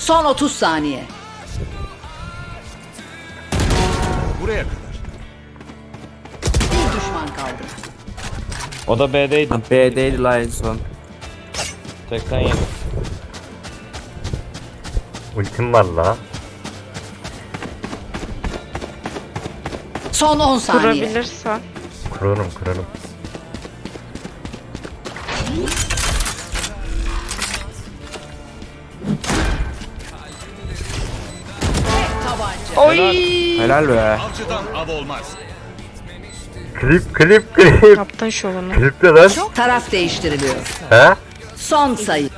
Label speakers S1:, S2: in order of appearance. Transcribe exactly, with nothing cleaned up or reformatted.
S1: Son otuz saniye.
S2: Buraya kadar.
S1: Bir düşman kaldı.
S3: O da B'deydi.
S4: B'deydi la en son.
S3: seksen yedi.
S5: Ultim var la.
S1: Son on saniye.
S6: Kurabilirsen.
S5: Kurarım kurarım.
S6: Oy.
S4: Helal be.
S2: Avcıdan av olmaz.
S5: Klip klip klip.
S6: Yaptın şovunu.
S5: Klip de lan.
S1: Taraf değiştiriliyor.
S5: He?
S1: Son sayı.